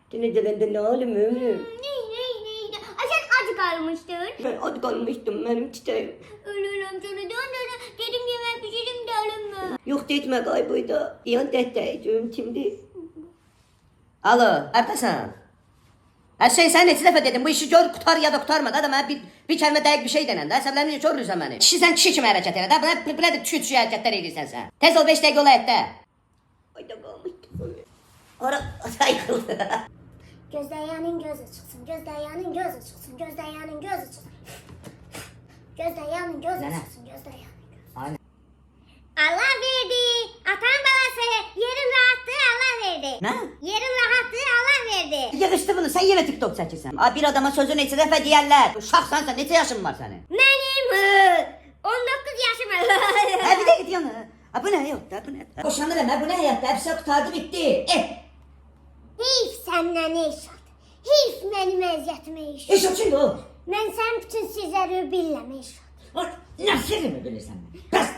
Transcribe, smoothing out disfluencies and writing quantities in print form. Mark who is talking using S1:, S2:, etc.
S1: Gene gelende ne halim ömrüm?
S2: Ne? Sen acı kalmıştın.
S1: Ben aç kalmıştım benim çiçeğim.
S2: Ölürüm sana dön. Dedim yemek pişirim de alınma.
S1: Yok detme kaybıydı. Yan dehteydim şimdi.
S3: Alo, neredesin? Her şey sen neçə dəfə dedim, bu işi gör, qutar ya da qutarma da mənə bir kəlmə dəqiq bir şey denən də, əsəblərini görürsən məni. Kişi sən kişi kimi hərəkət elə də, belə də kişi hərəkətlər edirsən sən. Tez ol 5 dəqiqə ola etdə.
S1: Ayda kalmıştım. Ara saykıldı.
S2: Gözleyanın gözü çıksın. Gözleyanın gözü çıksın. Gözleyanın gözü çıksın. Gözleyanın gözü
S3: Nene.
S2: çıksın. Gözleyanın gözü.
S3: Aynen.
S2: Allah verdi. Atan balası. Yerin rahatlığı Allah verdi.
S3: Nə?
S2: Yerin rahatlığı Allah verdi.
S3: Yığışdı bunu, sən yenə TikTok çəkirsən. Bir adama sözü neçə dəfə deyərlər. Uşaqsan sən, neçə yaşın var sənin?
S2: Benim 19 yaşım var.
S3: Hə, bir də git yana. Bu nə yok da, bu nə? Boşanır əmə, bu nə həyatda, hepsi qutardı, bitdi.
S2: Heyf senden eşat. Heyf benim əziyyətime eşat.
S3: İş o kimdir o?
S2: Ben sen bütün sizleri bilmem eşat.
S3: Nə sirrimi bilirsən? Bəs